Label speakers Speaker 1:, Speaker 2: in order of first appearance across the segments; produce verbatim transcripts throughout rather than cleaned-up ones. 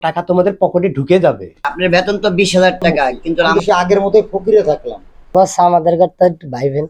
Speaker 1: টাকা তোমাদের পকেটে ঢুকে যাবে।
Speaker 2: আপনার বেতন তো বিশ হাজার টাকা, কিন্তু
Speaker 3: আমি সে আগের মতোই ফকিরে থাকলাম।
Speaker 4: বস আমাদের কথা একটু ভাইবেন।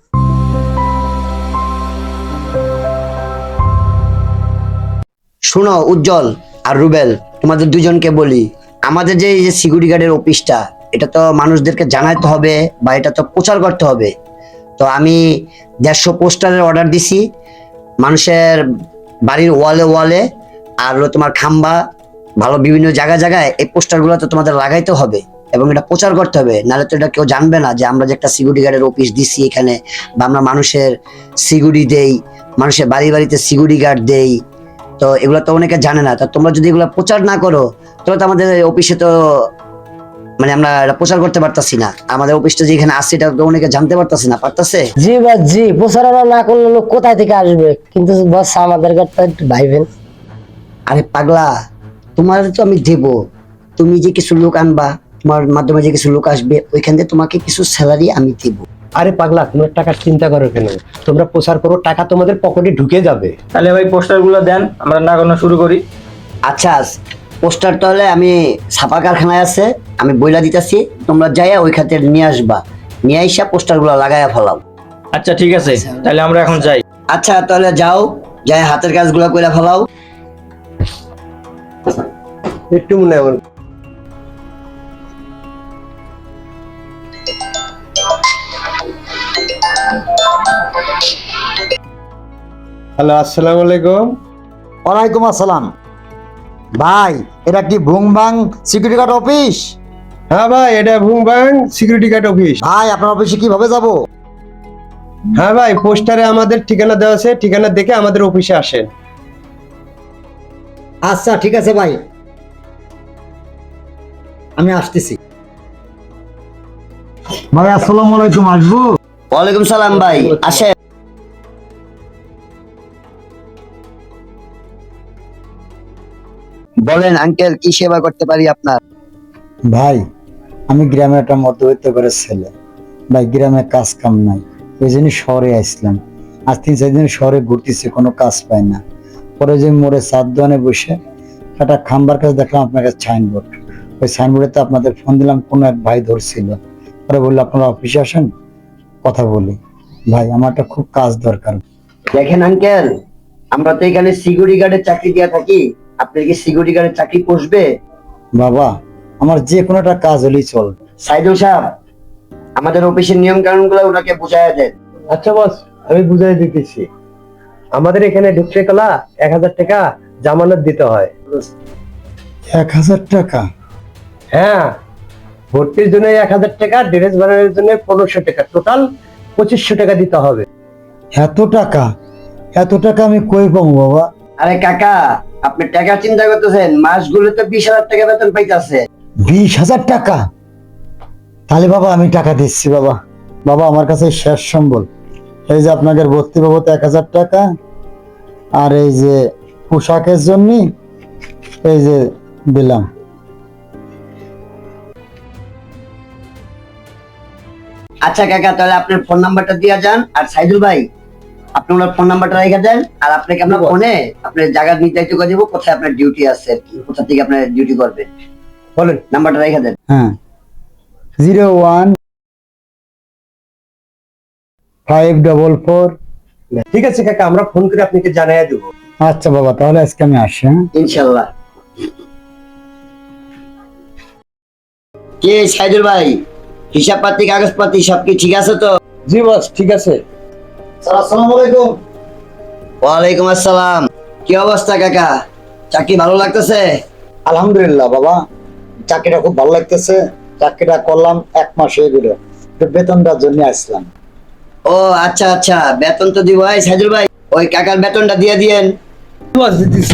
Speaker 2: শুনো উজ্জ্বল আর রুবেল, তোমাদের দুজনকে বলি, আমাদের যে এই যে সিকিউরিটি গার্ডের অফিসটা, এটা তো মানুষদেরকে জানাতে হবে বা এটা তো প্রচার করতে হবে। তো আমি দেড়শো পোস্টারের অর্ডার দিছি, মানুষের বাড়ির ওয়ালে ওয়ালে আর হলো তোমার খাম্বা, ভালো বিভিন্ন জায়গায় জায়গায় এই পোস্টারগুলো তো তোমাদের লাগাইতে হবে এবং এটা প্রচার করতে হবে, নাহলে তো এটা কেউ জানবে না যে আমরা যে একটা সিকিউরিটি গার্ডের অফিস দিছি এখানে, বা আমরা মানুষের সিকিউরিটি দেই, মানুষের বাড়ি বাড়িতে সিকিউরিটি গার্ড দেই। তো এগুলো তো অনেকে জানে না। তা তোমরা যদি এগুলো প্রচার না করো তাহলে তো আমাদের অফিসে তো মানে আমরা এটা প্রচার করতে পারতাছি না। আমাদের অফিসটা যেখানে আছে এটা তো অনেকে জানতে পারতাছি না, পারতাছে।
Speaker 4: জি বস জি, প্রচারণা না করলে লোক কোথায় থেকে আসবে? কিন্তু বস আমাদের কথা একটু ভাইবেন।
Speaker 2: আরে পাগলা, তোমার তো আমি দেব, তুমি যে কিছু লোক আনবা, তোমার মাধ্যমে যে কিছু লোক আসবে, ওইখান থেকে তোমাকে কিছু স্যালারি আমি দেব।
Speaker 1: আরে পাগলা, তোমরা টাকার চিন্তা করো কেন? তোমরা প্রচার করো, টাকা তোমাদের পকেটে ঢুকে যাবে।
Speaker 5: তাহলে ভাই পোস্টার গুলো দেন, আমরা লাগানো শুরু করি।
Speaker 2: আচ্ছা, পোস্টার তাহলে আমি ছাপা কারখানায় আছে, আমি বইলা দিতেছি, তোমরা যাইয়া ওই খাতে নিয়ে আসবা, নিয়ে আইসা পোস্টার গুলো লাগাইয়া ফেলাও।
Speaker 5: আচ্ছা ঠিক আছে, তাহলে আমরা এখন যাই।
Speaker 2: আচ্ছা তাহলে যাও, যাই হাতের কাজগুলো কইরা ফেলাও।
Speaker 1: একটু মনে হয় হ্যালো, আসসালামু আলাইকুম।
Speaker 3: ওয়ালাইকুম আসসালাম। ভাই, এটা কি ভুংবাং সিকিউরিটি গার্ড অফিস?
Speaker 1: হ্যাঁ ভাই, এটা ভুংবাং সিকিউরিটি গার্ড অফিস।
Speaker 3: ভাই, আপনার অফিসে কিভাবে যাব?
Speaker 1: হ্যাঁ ভাই, পোস্টারে আমাদের ঠিকানা দেওয়া আছে, ঠিকানা দেখে আমাদের অফিসে আসেন।
Speaker 3: আচ্ছা ঠিক আছে ভাই, আমি আসতেছি। ভাই আসসালামু আলাইকুম, আসবো?
Speaker 2: ওয়ালাইকুম সালাম ভাই, আসেন। বলেন আঙ্কেল, কি সেবা করতে পারি আপনার?
Speaker 3: ভাই, আমি গ্রামে একটা মধ্যবিত্ত করে ছেলে। ভাই, গ্রামে কাজ কাম নাই, ওই জন্য শহরে আসলাম। আজ তিন চার দিন শহরে ঘুরতেছি, কোনো কাজ পাই না। পরে যে মোড়ে চার দোকানে বসে একটা খাম্বার কাছে দেখলাম আপনার কাছে সাইনবোর্ড। ওই সাইনবোর্ডে তো আপনাদের ফোন দিলাম, কোনো এক ভাই ধরছিল। পরে বললো আপনারা অফিসে আসেন, কথা বলি। ভাই, আমার একটা খুব কাজ দরকার।
Speaker 2: দেখেন আঙ্কেল, আমরা তো এখানে সিকিউরিটি গার্ডের চাকরি দিয়া থাকি, আপনি কি সিকিউরিটি গার্ডের চাকরি পোষবে?
Speaker 3: বাবা, আমার যে কোনো একটা কাজ হলেই চল।
Speaker 2: সাইদুল সাহেব, আমাদের অফিসের নিয়ম কানুন গুলো ওনাকে বুঝাইয়া দেন।
Speaker 1: আচ্ছা বস, আমি বুঝাই দিতেছি। আমাদের এখানে ঢুকতে গেলা এক হাজার টাকা জামানত দিতে হয়।
Speaker 3: এক হাজার টাকা?
Speaker 1: হ্যাঁ, ভর্তির জন্য এক হাজার টাকা, ড্রেস বানানোর জন্য পনেরোশো টাকা, টোটাল পঁচিশশো টাকা দিতে হবে।
Speaker 3: এত টাকা? এত টাকা আমি কই পাবো বাবা?
Speaker 2: আরে কাকা, আপনি টাকা চিন্তা করতেছেন, মাসগুলো তো বিশ হাজার টাকা বেতন পাইতেছে।
Speaker 3: বিশ হাজার টাকা? তাহলে বাবা আমি টাকা দিচ্ছি বাবা। বাবা, আমার কাছে শেষ সম্বল। এই যে আপনাদের ভর্তি বাবদ এক হাজার টাকা, আর এই যে পোশাকের জন্য এই যে দিলাম।
Speaker 2: আচ্ছা কাকা, তাহলে আপনার ফোন নাম্বারটা দিয়া যান, আর সাইদুল ভাই আপনি ওনার ফোন নাম্বারটা রেখে দেন, আর আপনাকে আমরা ফোনে আপনার জায়গা নির্ধারিত করে দেবো, কোথায় আপনার ডিউটি আছে আর কি, কোথা থেকে আপনার ডিউটি করবেন।
Speaker 1: বলেন
Speaker 2: নাম্বারটা রেখে দেন।
Speaker 3: হ্যাঁ, zero one five double four.
Speaker 1: ঠিক আছে কাকা, আমরা ফোন করে আপনাকে জানাইয়া দেবো।
Speaker 3: আচ্ছা বাবা, তাহলে আজকে আমি আসি। হ্যাঁ,
Speaker 2: ইনশাল্লাহ। কি সাইদুল ভাই, হিসাব পাতি কাগজপাতি সব কি ঠিক আছে তো?
Speaker 1: জি বস, ঠিক আছে।
Speaker 3: আসসালামু আলাইকুম।
Speaker 2: ওয়ালাইকুম আসসালাম। কি অবস্থা কাকা, চাকরি ভালো লাগতেছে?
Speaker 3: আলহামদুলিল্লাহ বাবা, চাকরিটা খুব ভালো লাগতেছে। চাকরিটা করলাম এক মাস হয়ে গেল, বেতনটার জন্য আসলাম।
Speaker 2: ও আচ্ছা আচ্ছা, বেতন তো দিব। ভাই সাইদুল ভাই, ওই কাকার বেতনটা দিয়ে দিয়েন।
Speaker 3: বস, দিতেছি।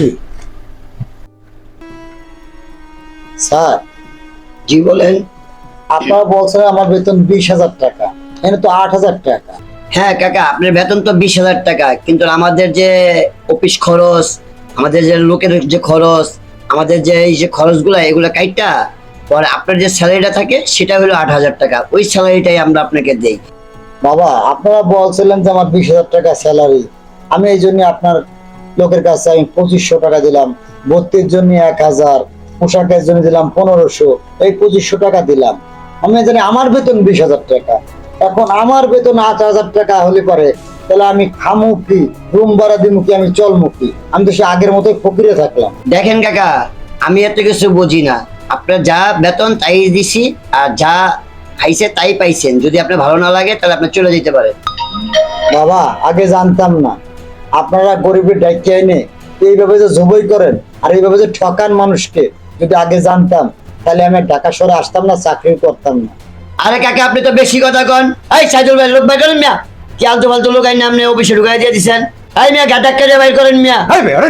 Speaker 3: স্যার,
Speaker 2: জি বলেন।
Speaker 3: আপনারা বলছেন আমার বেতন বিশ হাজার টাকা, এখানে তো আট হাজার টাকা।
Speaker 2: হ্যাঁ কাকা, আপনার বেতন তো বিশ হাজার টাকা, কিন্তু আমাদের যে অফিস খরচ, আমাদের যে লোকের যে খরচ, আমাদের যে এই যে খরচগুলা, এগুলা কাইটা পরে আপনার যে স্যালারিটা থাকে সেটা হলো আট হাজার টাকা, ওই স্যালারিটাই আমরা আপনাকে দেই।
Speaker 3: বাবা, আপনারা বলছিলেন যে আমার বিশ হাজার টাকা স্যালারি, আমি এই জন্য আপনার লোকের কাছে আমি পঁচিশশো টাকা দিলাম, ভর্তির জন্য এক হাজার, পোশাকের জন্য দিলাম পনেরোশো, এই পঁচিশশো টাকা দিলাম। আমি জানি আমার বেতন বিশ হাজার টাকা, এখন আমার বেতন আট হাজার টাকা হলে পারে, তাহলে আমি খামু কি, রুম ভাড়া দিমু কি, আমি চলমু কি? আমি তো সে আগের মতোই ফকিরে থাকলাম।
Speaker 2: দেখেন কাকা, আমি এত কিছু বুঝি না। আপনার যা বেতন তাই দিছি, আর যা আইছে তাই পাইছেন। যদি আপনার ভালো না লাগে তাহলে আপনি চলে যেতে পারেন।
Speaker 3: বাবা, আগে জানতাম না আপনারা গরিবের ডাইকে এনে এইভাবে যে জবই করেন আর এইভাবে যে ঠকান মানুষকে, যদি আগে জানতাম তাহলে আমি ঢাকা শহরে আসতাম না, চাকরি করতাম না।
Speaker 2: আরে কাকা, আপনি তো বেশি কথা কন। এই সাইদুল ভাই, লোক বাইর করেন মিয়া। কি আলতু ফালতু লোক আইন আপনি অফিসে ঢুকাই দিয়ে দিচ্ছেন। এই মিয়া, ঘাটাক করে বাইর করেন মিয়া।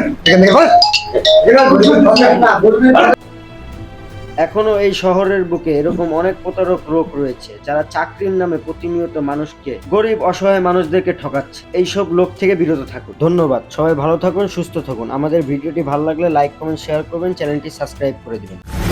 Speaker 6: এখনো এই শহরের বুকে এরকম অনেক প্রতারক লোক রয়েছে যারা চাকরির নামে প্রতিনিয়ত মানুষকে, গরিব অসহায় মানুষদেরকে ঠকাচ্ছে। এইসব লোক থেকে বিরত থাকুন। ধন্যবাদ। সবাই ভালো থাকুন, সুস্থ থাকুন। আমাদের ভিডিওটি ভালো লাগলে লাইক কমেন্ট শেয়ার করবেন, চ্যানেলটি সাবস্ক্রাইব করে দিবেন।